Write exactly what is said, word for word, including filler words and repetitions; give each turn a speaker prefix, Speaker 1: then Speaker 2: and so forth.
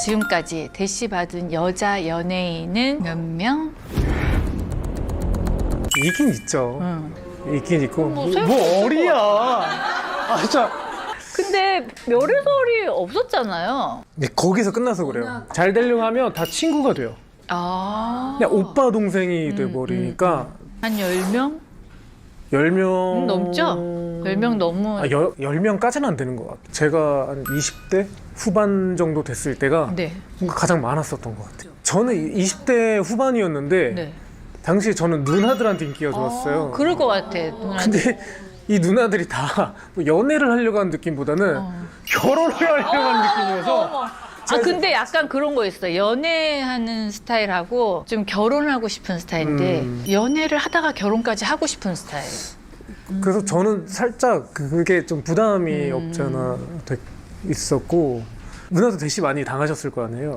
Speaker 1: 지금까지 대시 받은 여자 연예인은 몇 명?
Speaker 2: 있긴 있죠.
Speaker 1: 응.
Speaker 2: 있긴 있고.
Speaker 1: 뭐
Speaker 2: 뭐,
Speaker 1: 셀수
Speaker 2: 뭐
Speaker 1: 없을
Speaker 2: 어리야. 아 진짜.
Speaker 1: 근데 별의설이 없었잖아요.
Speaker 2: 근데 거기서 끝나서 그래요. 잘 되려고 하면 다 친구가 돼요.
Speaker 1: 아.
Speaker 2: 그냥 오빠 동생이
Speaker 1: 음,
Speaker 2: 돼버리니까
Speaker 1: 한 열 명?
Speaker 2: 열 명
Speaker 1: 음, 넘죠? 열 명 넘은.
Speaker 2: 아, 열, 열 명까지는 안 되는 것 같아요. 제가 한 이십 대 후반 정도 됐을 때가
Speaker 1: 네.
Speaker 2: 뭔가 가장 많았었던 것 같아요. 저는 이십 대 후반이었는데
Speaker 1: 네.
Speaker 2: 당시에 저는 누나들한테 인기가 좋았어요.
Speaker 1: 아, 그럴 것 같아. 누나.
Speaker 2: 근데 이 누나들이 다 연애를 하려고 하는 느낌보다는
Speaker 1: 어.
Speaker 2: 결혼을 하려고 하는 느낌이어서
Speaker 1: 아 근데 약간 그런 거 있어. 연애하는 스타일하고 좀 결혼하고 싶은 스타일인데
Speaker 2: 음.
Speaker 1: 연애를 하다가 결혼까지 하고 싶은 스타일.
Speaker 2: 그래서 저는 살짝 그게 좀 부담이
Speaker 1: 음.
Speaker 2: 없지 않아 돼 있었고 누나도 대시 많이 당하셨을 거 아니에요.